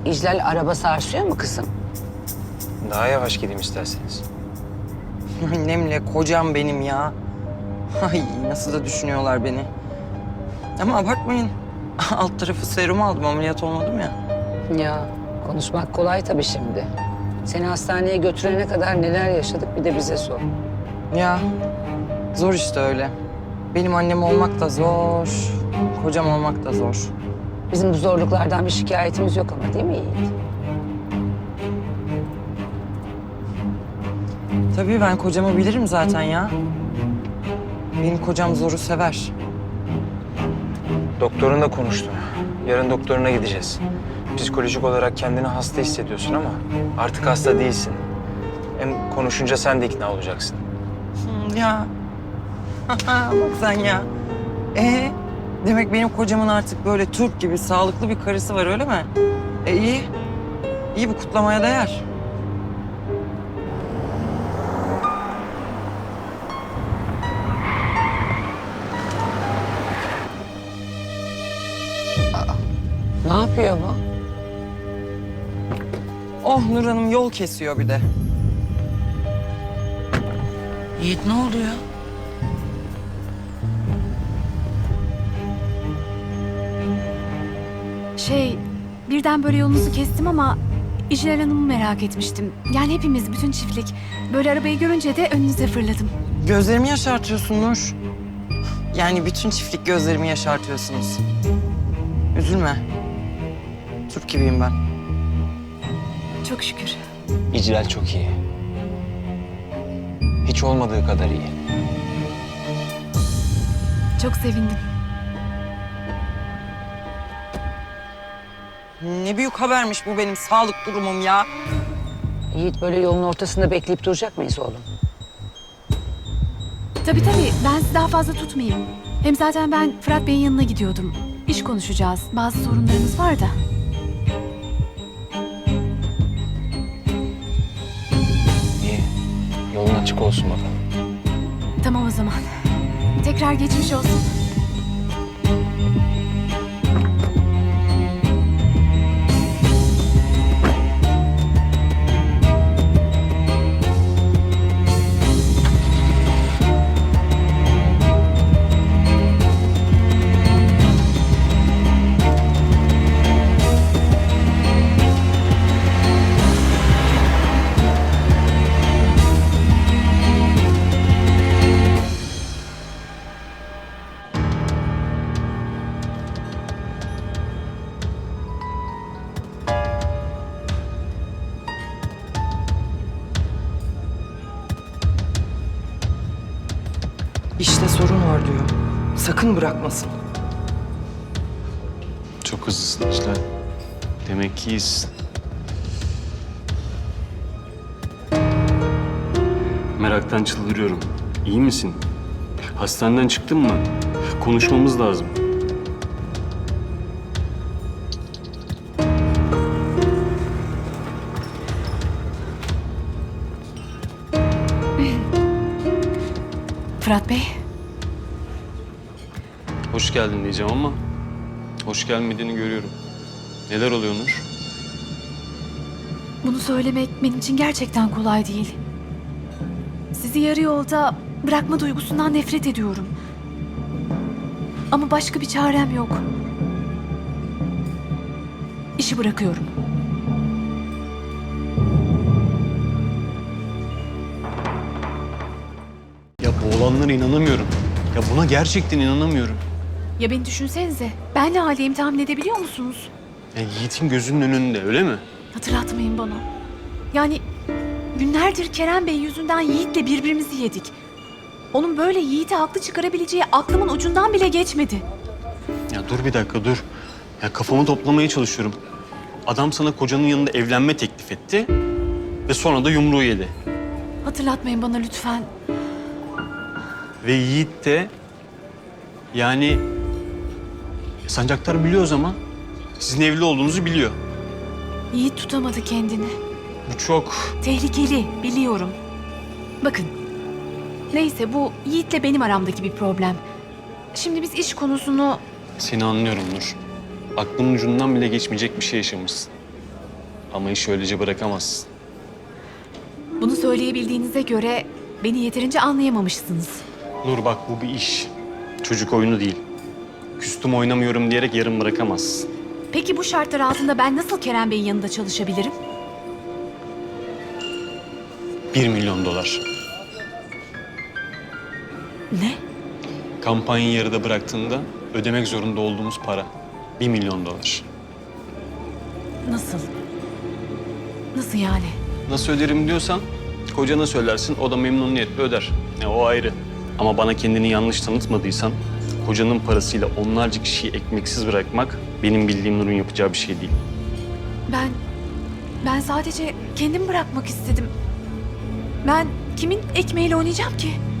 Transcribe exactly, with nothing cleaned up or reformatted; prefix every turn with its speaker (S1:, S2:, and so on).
S1: İclal araba sarsıyor mu kızım?
S2: Daha yavaş gideyim isterseniz.
S3: Annemle kocam benim ya. Ay nasıl da düşünüyorlar beni. Ama abartmayın. Alt tarafı serum aldım, ameliyat olmadım ya.
S1: Ya konuşmak kolay tabii şimdi. Seni hastaneye götürene kadar neler yaşadık bir de bize sor.
S3: Ya zor işte öyle. Benim annem olmak da zor, kocam olmak da zor.
S1: Bizim bu zorluklardan bir şikayetimiz yok ama değil mi Yiğit?
S3: Tabii ben kocamı bilirim zaten ya. Benim kocam zoru sever.
S2: Doktorunla konuştum. Yarın doktoruna gideceğiz. Psikolojik olarak kendini hasta hissediyorsun ama artık hasta değilsin. Hem konuşunca sen de ikna olacaksın.
S3: Hmm, ya. Bak sen ya. Ee, demek benim kocamın artık böyle Türk gibi sağlıklı bir karısı var öyle mi? E iyi. İyi, bu kutlamaya değer.
S1: Ne yapıyor bu?
S3: Oh Nur Hanım yol kesiyor bir de.
S1: Yiğit ne oluyor?
S4: Şey, birden böyle yolunuzu kestim ama İclal Hanım'ı merak etmiştim. Yani hepimiz, bütün çiftlik. Böyle arabayı görünce de önünüze fırladım.
S3: Gözlerimi yaşartıyorsun Nur. Yani bütün çiftlik gözlerimi yaşartıyorsunuz. Üzülme. Türk gibiyim ben.
S4: Çok şükür.
S2: İclal çok iyi. Hiç olmadığı kadar iyi.
S4: Çok sevindim.
S3: Ne büyük habermiş bu benim sağlık durumum ya.
S1: Yiğit böyle yolun ortasında bekleyip duracak mıyız oğlum?
S4: Tabii tabii, ben sizi daha fazla tutmayayım. Hem zaten ben Fırat Bey'in yanına gidiyordum. İş konuşacağız. Bazı sorunlarımız var da.
S2: İyi. Yolun açık olsun bakalım.
S4: Tamam o zaman. Tekrar geçmiş olsun.
S3: İşte sorun var diyor. Sakın bırakmasın.
S5: Çok hızlısın İclal. Demek ki iyisin. Meraktan çıldırıyorum. İyi misin? Hastaneden çıktın mı? Konuşmamız lazım.
S4: Fırat Bey,
S5: Hoş geldin diyeceğim ama hoş gelmediğini görüyorum. Neler oluyor Nur?
S4: bunu söylemek benim için gerçekten kolay değil. Sizi yarı yolda bırakma duygusundan nefret ediyorum. Ama başka bir çarem yok. İşi bırakıyorum.
S5: Ya bu olanlara inanamıyorum. Ya buna gerçekten inanamıyorum.
S4: Ya beni düşünsenize. Ben ne haldeyim tahmin edebiliyor musunuz?
S5: Ya Yiğit'in gözünün önünde öyle mi?
S4: Hatırlatmayın bana. Yani günlerdir Kerem Bey yüzünden Yiğit'le birbirimizi yedik. Onun böyle Yiğit'i haklı çıkarabileceği aklımın ucundan bile geçmedi.
S5: Ya dur bir dakika dur. Ya kafamı toplamaya çalışıyorum. Adam sana kocanın yanında evlenme teklif etti ve sonra da yumruğu yedi.
S4: Hatırlatmayın bana lütfen.
S5: Ve Yiğit de yani Sancaktar biliyor o zaman. Sizin evli olduğunuzu biliyor.
S4: Yiğit tutamadı kendini.
S5: Bu çok...
S4: Tehlikeli, biliyorum. Bakın, neyse bu Yiğit'le benim aramdaki bir problem. Şimdi biz iş konusunu...
S5: Seni anlıyorum Nur. Aklının ucundan bile geçmeyecek bir şey yaşamışsın. Ama işi öylece bırakamazsın.
S4: Bunu söyleyebildiğinize göre beni yeterince anlayamamışsınız.
S5: Nur bak, bu bir iş. Çocuk oyunu değil. Küstüm oynamıyorum diyerek yarım bırakamazsın.
S4: Peki bu şartlar altında ben nasıl Kerem Bey'in yanında çalışabilirim?
S5: Bir milyon dolar.
S4: Ne?
S5: Kampanyayı yarıda bıraktığında ödemek zorunda olduğumuz para. Bir milyon dolar.
S4: Nasıl? Nasıl yani?
S5: Nasıl öderim diyorsan kocana söylersin, o da memnuniyetle öder. E, o ayrı. Ama bana kendini yanlış tanıtmadıysan kocanın parasıyla onlarca kişiyi ekmeksiz bırakmak benim bildiğim Nur'un yapacağı bir şey değil.
S4: Ben... Ben sadece kendim bırakmak istedim. Ben kimin ekmeğiyle oynayacağım ki?